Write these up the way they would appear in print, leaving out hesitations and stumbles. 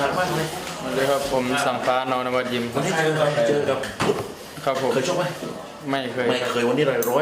ากมากเลยสวัสดีครับผมสังฟ้านอนวัดยิมวันนี้เจอกับพุทธครับผมเคยชกไหมไม่เคยไม่เคยวันนี้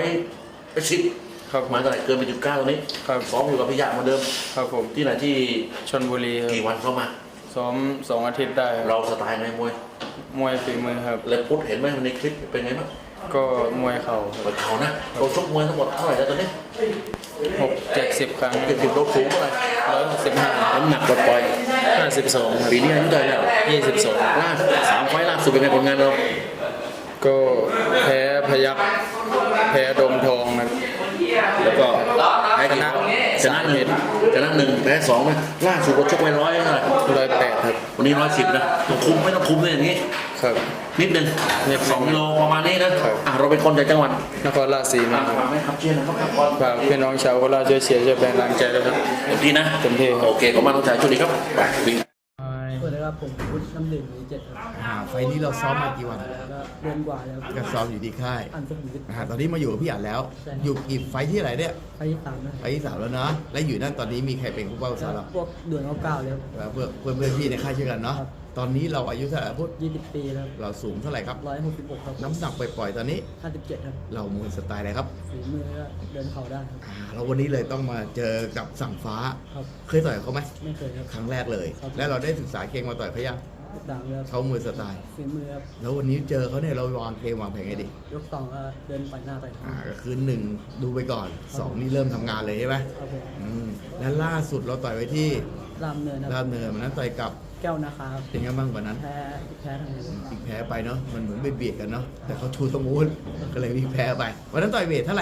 110 ครับมาเท่าไหร่เกินไป19ตรงนี้ครับซ้อมอยู่กับพิยะเหมือนเดิมครับผมที่ไหนที่ชลบุรีครับกี่วันเข้ามาซ้อม2 อาทิตย์ได้ครับเราสไตล์ไงมวยมวยฝีมือครับแล้วพุทธเห็นไหมในคลิปเป็นไงบ้างก็มวยเข่าคเปิรับดเขานะเราชกมวยทั้งหมดเท่าไหร่แล้วตอนนี้ 60 ครั้ง 70เราสูงเท่าไหร่ 165 น้ำหนักปล่อย 52ครับปีนี้อายุเท่าไหร่แล้ว 22 ล่า3 ไฟล์ล่าสุดเป็นไงผลงานเราก็แพ้พยัคฆ์แพ้ดมทองครับแล้วก็แพ้กี่ชนะหนึ่งชนะ1แพ้2นะล่าสุดเราชกไป100เท่าไหร่ 108ครับวันนี้110นะต้องคุมไม่ต้องคุมเลยอย่างนี้ครับนิดนึงนิดนึง 2 กิโลประมาณนี้นะครับ เราเป็นคนจากจังหวัดนครราชสีมาครับฝากให้ครับเชียร์นะครับก่อนฝากพี่น้องชาวโคราชช่วยเชียร์ช่วยเป็นกำลังใจด้วยครับเต็มที่นะเต็มที่ครับโอเคขอบคุณมากน้องชายช่วงนี้ครับไปวิ่งสวัสดีครับผมพุทธน้ำดื่มมี7ครับไฟล์นี้เราซ้อมมากี่วันแล้วก็เดือนกว่าแล้วก็ซ้อมอยู่ที่ค่ายอันสุขุมวิทตอนนี้มาอยู่กับพี่อัดแล้วใช่อยู่กี่ไฟล์ที่ไหนเนี่ยไปที่3นะไฟล์ที่3แล้วนะและอยู่นั่นตอนนี้มีใครเป็นผู้เป้าสาวเราพวกเดือนเก้าแล้วแล้วเพื่อนพี่ในค่ายเช่นกันเนาะครับตอนนี้เราอายุเท่าไหร่พูด 20 ปีแล้วเราสูงเท่าไหร่ครับ 166ครับน้ำหนักปล่อยๆตอนนี้ 57ครับเรามวยสไตล์อะไรครับฝีมือก็เดินเข่าได้ครับเราวันนี้เลยต้องมาเจอกับสั่งฟ้าครับเคยต่อยเขาไหมไม่เคยครับครั้งแรกเลยครับแล้วเราได้ศึกษาเกมมาต่อยเขายังดังแล้วเขามวยสไตล์ฝีมือครับแล้ววันนี้เจอเขาเนี่ยเราวางเกมวางแผนไงดียกสองก็เดินไปหน้าไปข้างก็คือ1ดูไปก่อน2นี่เริ่มทำงานเลยใช่ไหมครับผมและล่าสุดเราต่อยไว้ที่รามเนินครารับบเนินวันนั้นต่อยกับแก้วนาคาครับเป็นไงบ้างวันนั้นแพ้ทางนี้อีกแพ้ไปเนาะมันเหมือนเบียดกันเนาะแต่เขาชูตะมูนก็เลยมีแพ้ไปวันนั้นต่อยเวทเท่าไหร่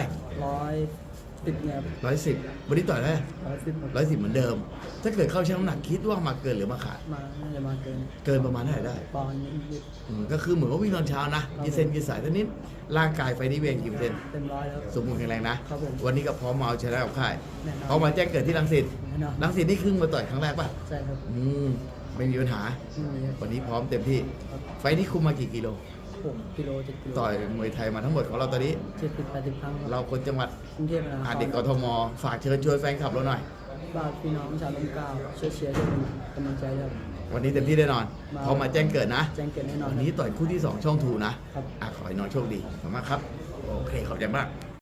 110เนี่ย 110วันนี้ต่อยได้ 110 110เหมือนเดิม ถ้าเกิดเข้าชั่งน้ำหนักคิดว่ามาเกินหรือมาขาดมาน่าจะมาเกินเกินประมาณเท่าไหร่ได้ปอนด์นิดก็คือเหมือนว่าวิ่งตอนเช้านะยืดเส้นยืดสายเท่านี้ร่างกายไฟนี้เวงกี่เปอร์เซ็นต์เต็มร้อยแล้วสมบูรณ์แข็งแรงนะครับผมวันนี้ก็พร้อมมาเอาชนะกับค่ายแน่นอนพร้อมมาแจ้งเกิดที่รังสิตแน่นอนรังสิตนี่ครึ่งมาต่อยครั้งแรกป่ะใช่ครับไม่มีปัญหาไม่มีครับวันนี้พร้อมเต็มที่ ไฟนี้คุมมากี่กิโล 6 กิโล 7 กิโลต่อยมวยไทยมาทั้งหมดของเราตอนนี้ 70-80 ครั้งครับเราคนจังหวัดกรุงเทพนะครับเด็กกทมฝากเชิญชวนแฟนคลับเราหน่อยฝากพี่น้องชาวลมเกล้าช่วยเชียร์ช่วยเป็นกำลังใจครับวันนี้เต็มที่แน่นอนมาพร้อมมาแจ้งเกิดนะแจ้งเกิดแน่นอนวันนี้ต่อยคู่ที่ 2 ช่องทูนะครับ ขอให้น้องโชคดีขอบคุณมากครับ โอเค ขอบใจมาก